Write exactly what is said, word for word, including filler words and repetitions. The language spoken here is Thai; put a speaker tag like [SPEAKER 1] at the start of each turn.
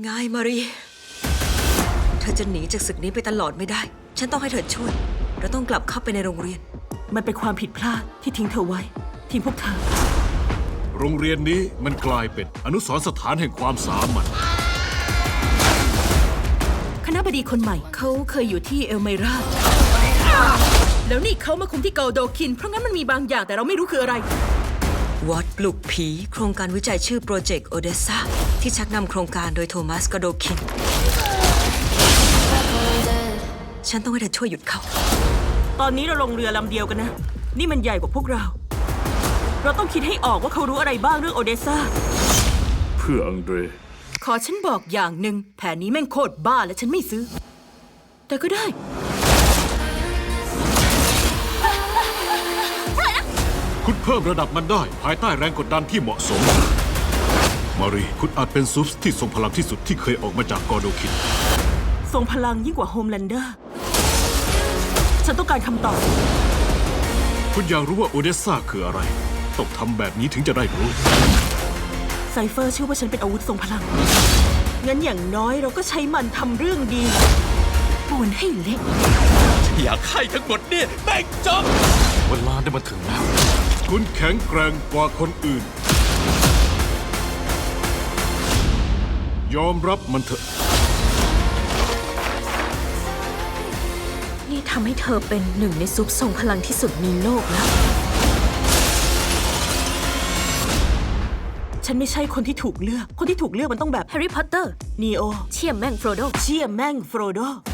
[SPEAKER 1] ง่ายมารีเธอจะหนีจากศึกนี้ไปตลอดไม่ได้ฉันต้องให้เธอช่วยเราต้องกลับเข้าไปในโรงเรียน
[SPEAKER 2] มันเป็นความผิดพลาดที่ทิ้งเธอไว้ทิ้งพวกเธอ
[SPEAKER 3] โรงเรียนนี้มันกลายเป็นอนุสรณ์สถานแห่งความสามัญ
[SPEAKER 2] คณบดีคนใหม่เขาเคยอยู่ที่เอลไมราแล้วนี่เขามาคุมที่เกาโดคินเพราะงั้นมันมีบางอย่างแต่เราไม่รู้คืออะไร
[SPEAKER 1] วอดปลุกผีโครงการวิจัยชื่อโปรเจกต์โอเดซ่าที่ชักนำโครงการโดยโทมัสกาโดคินฉันต้องให้เธอช่วยหยุดเขา
[SPEAKER 2] ตอนนี้เราลงเรือลำเดียวกันนะนี่มันใหญ่กว่าพวกเราเราต้องคิดให้ออกว่าเขารู้อะไรบ้างเรื่องโอเดซ่า
[SPEAKER 3] เพื่ออังเดร
[SPEAKER 2] ขอฉันบอกอย่างหนึ่งแผนนี้แม่งโคตรบ้าและฉันไม่ซื้อแต่ก็ได้
[SPEAKER 3] คุณเพิ่มระดับมันได้ภายใต้แรงกดดันที่เหมาะสมมารีคุณอาจเป็นซูปส์ที่ทรงพลังที่สุดที่เคยออกมาจากกอโดคิน
[SPEAKER 2] ทรงพลังยิ่งกว่าโฮมแลนเดอร์ฉันต้องการคำตอบ
[SPEAKER 3] คุณอยากรู้ว่าโอเดซ่าคืออะไรต้องทำแบบนี้ถึงจะได้รู้
[SPEAKER 2] ไซเฟอร์เชื่อว่าฉันเป็นอาวุธทรงพลังงั้นอย่างน้อยเราก็ใช้มันทำเรื่องดีปวนให้เล็ก
[SPEAKER 4] อยากให้ทั้งหมดนี่แม่งจบเวลาได้มาถึงแล้ว
[SPEAKER 3] คุณแข็งแกร่งกว่าคนอื่นยอมรับมันเถอะ
[SPEAKER 1] นี่ทำให้เธอเป็นหนึ่งในซุปทรงพลังที่สุดในโลกแล้ว
[SPEAKER 2] ฉันไม่ใช่คนที่ถูกเลือกคนที่ถูกเลือกมันต้องแบบแฮร์รี่พอตเตอร์นีโอเชี่ยมแม่งโฟรโดเชี่ยมแม่งโฟรโด